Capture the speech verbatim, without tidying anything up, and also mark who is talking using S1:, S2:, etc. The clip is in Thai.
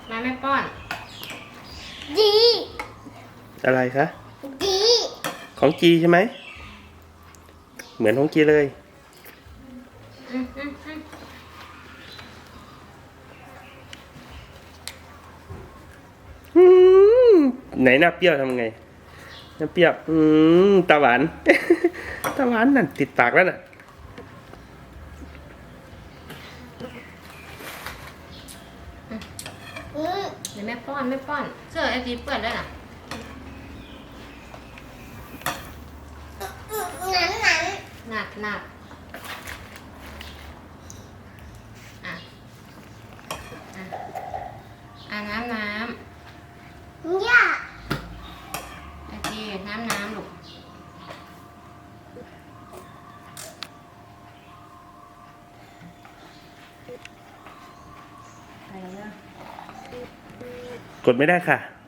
S1: มาแม่ป้อน
S2: ดี
S3: อะไรคะ
S2: ดี
S3: ของจีใช่ไหมเหมือนของจีเลย
S1: อืมอืมอืม
S3: อืมไหนหน้าเปรี้ยวทำไงหน้าเปรี้ยวอืมตาหวาน ตาหวานนั่นติดปากแล้วน่ะ
S2: อืม
S1: เดี๋ยวแม่ป้อนแม่ป้อนเสื้อไอจีเปื้อนด้วยน่ะ
S2: หนังหนัง
S1: หนักหนักอ่ะอ่ะอ่ะน้ำน้
S2: ย่า
S1: ำไอจีน้ำน้ำลูกไปแล้ว
S3: กดไม่ได้ค่ะ